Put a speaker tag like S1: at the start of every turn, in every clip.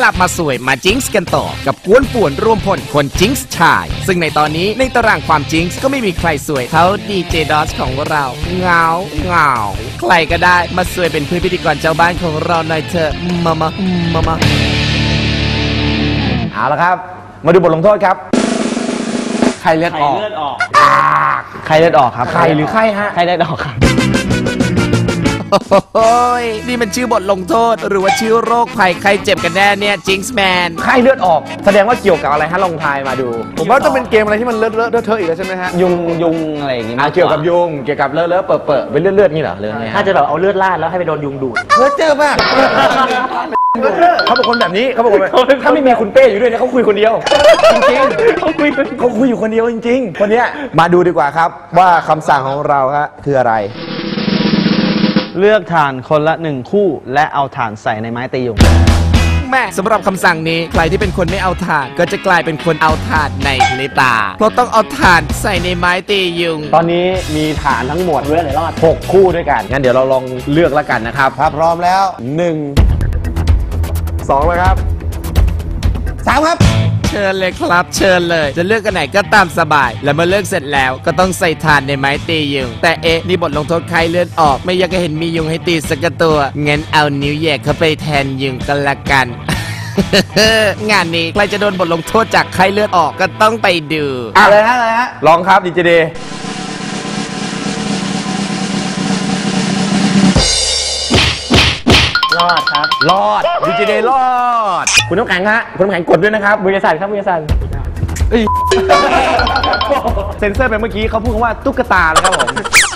S1: ลับมาสวยมาจิงส์กันต่อกับกวนป่วนรวมพลคนจิงส์ชายซึ่งในตอนนี้ในตารางความจิงส์ก็ไม่มีใครสวยเท่าดีเจดอสของเราเงาใครก็ได้มาสวยเป็นเพื่อนพิธีกรเจ้าบ้านของเราหน่อยเถอะมา
S2: เอาละครับมาดูบทลงโทษครับใครเลือดออกใครเลือดออกครับใครหรือใครฮะใครเลือดออกครับ
S1: โอ้ยนี่มันชื่อบทลงโทษหรือว่าชื่อโรคภัยใครเจ็บกันแน่เนี่ยจิงส์แมน
S2: ใครเลือดออกแสดงว่าเกี่ยวกับอะไรฮะลองทายมาดู
S3: ผมว่าจะเป็นเกมอะไรที่มันเลอะเทอะอีกแล้วใช่ไหมฮะ
S2: ยุงอะไรอย่างงี้เกี่ยวกับยุงเกี่ยวกับเลอะเปิดเป็นเลือดนี่เหรอเรื่องนี้
S4: ถ้าจะแบบเอาเลือดราดแล้วให้ไปโดนยุงดูด
S2: เจอมากเขาเป็นคนแบบนี้เขาบอกว่าถ้าไม่มีคุณเป้อยู่ด้วยเนี่ยเขาคุยคนเดียวจริงๆเขาคุยอยู่คนเดียวจริงๆคนเนี้ยมาดูดีกว่าครับว่าคำสั่งของเราฮะคืออะไร
S5: เลือกถ่านคนละ1คู่และเอาถ่านใส่ในไม้ตียุง
S1: แม่สำหรับคำสั่งนี้ใครที่เป็นคนไม่เอาถ่านก็จะกลายเป็นคนเอาถ่านในพริบตาเพราะต้องเอาถ่านใส่ในไม้ตียุง
S2: ตอนนี้มีฐานทั้งหมดเลือกในรอด6คู่ด้วยกันงั้นเดี๋ยวเราลองเลือกแล้วกันนะครับถ้าพร้อมแล้ว1 2เลยครับ3ครับ
S1: เชิญเลยครับเชิญเลยจะเลือกกันไหนก็ตามสบายและเมื่อเลือกเสร็จแล้วก็ต้องใส่ถ่านในไม้ตียุงแต่นี่บทลงโทษใครเลือดออกไม่อยากจะเห็นมียุงให้ตีสักตัวงั้นเอานิ้วแยกเข้าไปแทนยุงกันละกัน งานนี้ใครจะโดนบทลงโทษจากใครเลือดออกก็ต้องไปดู
S2: อะไรฮะลองครับดีเจเด
S4: รอดครับ
S2: รอดดีเจเดรอดคุณน้ำแข็งฮะคุณน้ำแข็งกดด้วยนะครับ
S4: มือสั่นครับมือสั่น
S2: เซนเซอร์ไปเมื่อกี้เขาพูดว่าตุ๊กตานะครับผม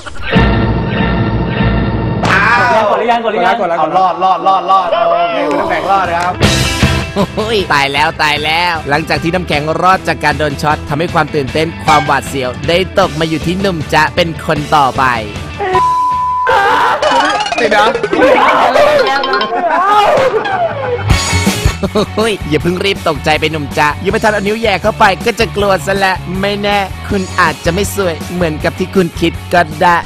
S4: กดหรือยัง
S2: เอารอดโอเคคุณน้ำแข็งรอดนะครับ
S1: โอ้ยตายแล้วหลังจากที่น้ำแข็งรอดจากการโดนช็อตทำให้ความตื่นเต้นความหวาดเสียวได้ตกมาอยู่ที่หนุ่มจ๊ะเป็นคนต่อไป
S3: ติดนะ
S1: อย่าเพิ่งรีบตกใจไปหนุ่มจ๊ะยังไม่ทันเอานิ้วแย่เข้าไปก็จะกลัวซะและไม่แน่คุณอาจจะไม่สวยเหมือนกับที่คุณคิดก็ได้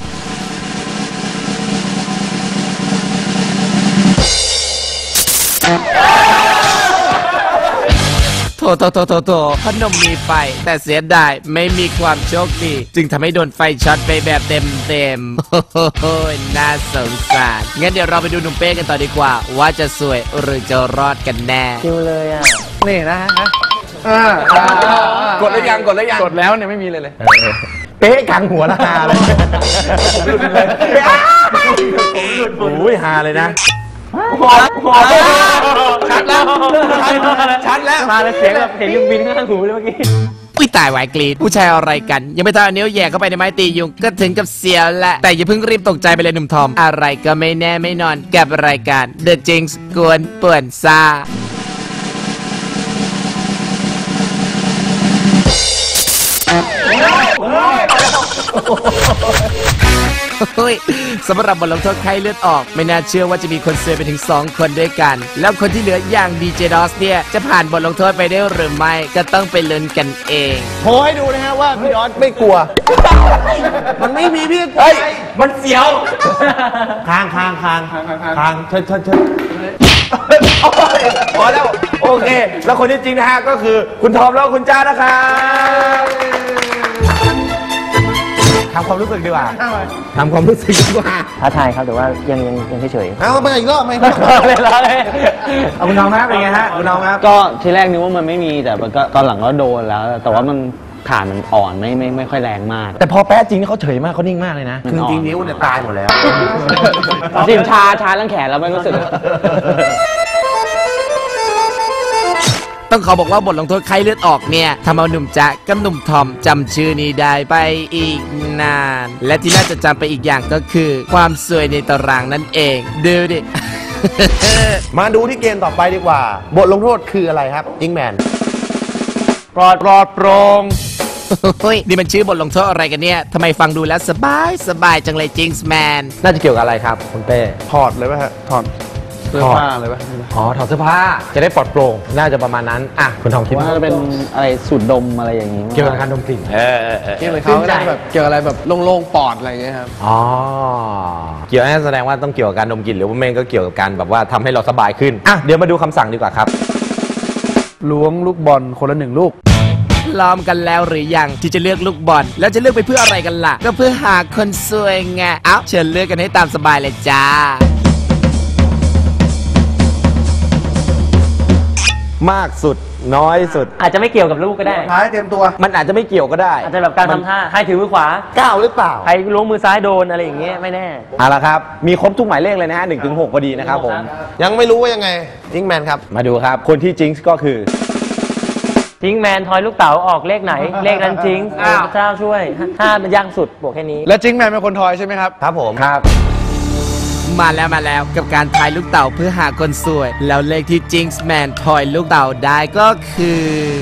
S1: โถพนมมีไฟแต่เสียดายไม่มีความโชคดีจึงทำให้โดนไฟช็อตไปแบบเต็มโอ้ยน่าสงสารงั้นเดี๋ยวเราไปดูหนุ่มเป้กันต่อดีกว่าว่าจะสวยหรือจะรอดกันแน่
S4: คิวเลยอ่ะ
S3: นี่นะฮะกดแล้วยังกดแล้วเนี่ยไม่มีเลย
S2: เป๊ะกลางหัวละฮาเลยผมหลุดเลยโอ้ยฮาเลยนะชัดแล้ว
S4: มาเลยเสียงแบบเห็นยุงบินข้างหูเลยเมื่อกี้
S1: อุ้ยตายวายกรีดผู้ชายอะไรกันยังไม่ทันเอานิ้วแย่เข้าไปในไม้ตียุงก็ถึงกับเสียวละแต่อย่าเพิ่งรีบตกใจไปเลยหนุ่มทอมอะไรก็ไม่แน่ไม่นอนกับรายการ The Jinx กวนป่วนซ่าสำหรับบทลงโทษใครเลือดออกไม่น่าเชื่อว่าจะมีคนเสียไปถึง2คนด้วยกันแล้วคนที่เหลืออย่างดีเจดอสเนี่ยจะผ่านบทลงโทษไปได้หรือไม่ก็ต้องไปลุ้นกันเอง
S2: โชว์ให้ดูนะฮะว่าพี่ดอสไม่กลัวมันไม่มีพี่เฮ้ยมันเสียวคางเชิญพอแล้วโอเคแล้วคนที่จริงนะฮะก็คือคุณทอมแล้วคุณจ้านะครับทำความรู้สึกดีกว่าท้
S4: าทายครับแต่ว่ายังเฉย
S3: เอาไปอีกรอบไหม
S2: เอาคุณน้องครับเป็นไงฮะคุณน้องครับ
S5: ก็ทีแรกนึกว่ามันไม่มีแต่มันก็ตอนหลังก็โดนแล้วแต่ว่ามันฐานมันอ่อนไม่ค่อยแรงมาก
S2: แต่พอแป๊ะจริงเขาเฉยมากเขานิ่งมากเลยนะคือจริงนิ้วเนี่ยตายหมดแล้ว
S5: สิชาทั้งแขนแล้วไม่รู้สึก
S1: ต้องขอบอกว่าบทลงโทษใครเลือดออกเนี่ยทำเอาหนุ่มจ๊ะกับหนุ่มทอมจำชื่อนี้ได้ไปอีกนานและที่น่าจะจำไปอีกอย่างก็คือความสวยในตารางนั่นเองดูดิ
S2: มาดูที่เกมต่อไปดีกว่าบทลงโทษคืออะไรครับจิงแมน
S5: ปลอดโปร่ง
S1: นี่มันชื่อบทลงโทษอะไรกันเนี่ยทำไมฟังดูแล้วสบายจังเลยจิงส์แมน
S2: น่าจะเกี่ยวกับอะไรครับคุณเป้
S3: ถอดเลยป่ะฮะถอดเสื้อผ้าเลยป่ะ
S2: ถอดเสื้อผ้าจะได้ปลอดโปร่งน่าจะประมาณนั้นอ่ะคุณทองคิด
S5: ว่าจะเป็นอะไรสูดดมอะไรอย่างนี้
S2: เกี่ยวกับการดมกลิ่น
S3: เกี่ยวกับเขาแบบเกี่ยวอะไรแบบโล่งๆปอดอะไรอย่างเงี้ยครับ
S2: เกี่ยวแสดงว่าต้องเกี่ยวกับการดมกลิ่นหรือว่าแม่งก็เกี่ยวกับการแบบว่าทำให้เราสบายขึ้นอ่ะเดี๋ยวมาดูคำสั่งดีกว่าครับ
S3: ล้วงลูกบอลคนละ1 ลูก
S1: พร้อมกันแล้วหรือยังที่จะเลือกลูกบอลแล้วจะเลือกไปเพื่ออะไรกันล่ะ ก็เพื่อหาคนสวยไงเอ้าเชิญเลือกกันให้ตามสบายเลยจ้า
S2: มากสุดน้อยสุด
S4: อาจจะไม่เกี่ยวกับลูกก็ได้
S3: ท้ายเตรียมตัว
S2: มันอาจจะไม่เกี่ยวก็ได้
S4: อาจจะแบบการทำท่าใครถือมือขวา
S2: ก้าวหรือเปล่า
S4: ใครล้วงมือซ้ายโดนอะไรอย่างเงี้ยไม่แน่
S2: เอาละครับ มีครบทุกหมายเลขเลยนะฮะ1 ถึง 6พอดีนะครับผม
S6: ยังไม่รู้ว่ายังไงยิงแมนครับ
S2: มาดูครับ คนที่จิงส์ก็คือ
S4: จิงแมนทอยลูกเต๋าออกเลขไหน เลขนั้นจิงพระเจ้าช่วยถ้ามันยากสุดบอกแค่นี้
S3: แล้วจิงแมนเป็นคนทอยใช่ไหมครับ
S6: ครับผม
S2: ครับ
S1: มาแล้วกับการทายลูกเต่าเพื่อหาคนสวย แล้วเลขที่จิงส์แมนทอยลูกเต่าได้ก็คือ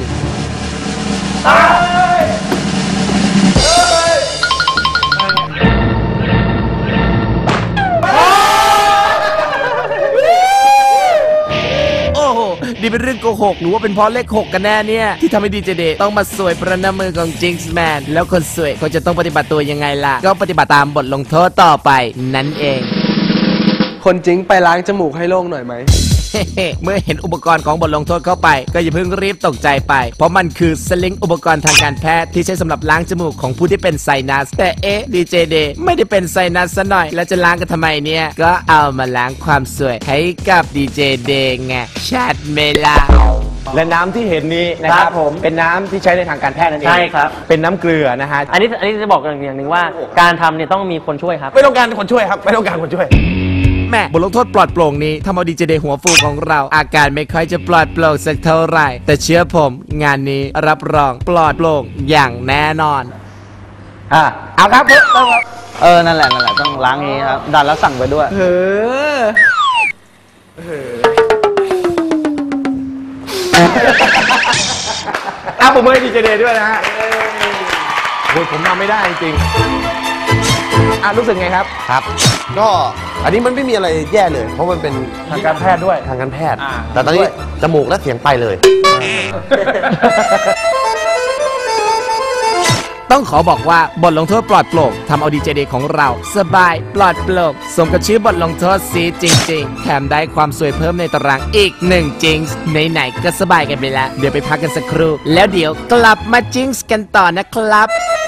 S1: โอ้โหนี่เป็นเรื่องโกหกหรือว่าเป็นเพราะเลข 6 กันแน่เนี่ย ที่ทำให้ดีเจเดย์ต้องมาสวยประนามมือของจิงส์แมนแล้วคนสวยเขาจะต้องปฏิบัติตัวยังไงล่ะ ก็ปฏิบัติตามบทลงโทษต่อไปนั่นเอง
S3: คนจริงไปล้างจมูกให้โล่งหน่อยไหม
S1: เมื่อเห็นอุปกรณ์ของบทลงโทษเข้าไปก็อย่าเพิ่งรีบตกใจไป เพราะมันคือสลิงอุปกรณ์ทางการแพทย์ที่ใช้สำหรับล้างจมูกของผู้ที่เป็นไซนัส แต่ดีเจเดย์ไม่ได้เป็นไซนัสซะหน่อย แล้วจะล้างกันทำไมเนี่ย ก็เอามาล้างความสวยให้กับดีเจเดย์ไงชัดเมลา
S2: และน้ำที่เห็นนี้นะครับ
S4: ครับผม
S2: เป็นน้ำที่ใช้ในทางการแพทย์นั่นเอง
S4: ใช่ครับ
S2: เป็นน้ำเกลือนะฮะ
S4: อันนี้จะบอกอย่างหนึ่งว่าการทำเนี่ยต้องมีคนช่วยครับ
S2: ไม่ต้องการคนช่วยครับไม่ต้องการคนช่วย
S1: แม่บทลงโทษปลอดโปร่งนี้ทำเอาดีเจเดย์หัวฟูของเราอาการไม่ค่อยจะปลอดโปร่งสักเท่าไหร่ แต่เชื่อผมงานนี้รับรองปลอดโปร่งอย่างแน่นอน
S2: เอาครับเพิ่มครับ
S5: นั่นแหละต้องล้างนี้ครับดันแล้วสั่งไปด้วย
S2: เอาผมให้ดีเจเดย์ด้วยนะฮะโอ้ยผมทำไม่ได้จริงๆรู้สึกไงครับ
S6: ครับ ก็อันนี้มันไม่มีอะไรแย่เลย เพราะมันเป็น
S3: ทางการแพทย์ด้วย
S6: ทางการแพทย์ แต่ตอนนี้จมูกและเสียงไปเลย
S1: ต้องขอบอกว่าบทลงโทษปลอดโปร่งทำเอาดีเจเดย์ของเราสบายปลอดโปร่งสมกับชื่อบทลงโทษซีจริงๆ แถมได้ความสวยเพิ่มในตารางอีก1จิงส์ไหนๆก็สบายกันไปแล้ว เดี๋ยวไปพักกันสักครู่ แล้วเดี๋ยวกลับมาจิงส์กันต่อนะครับ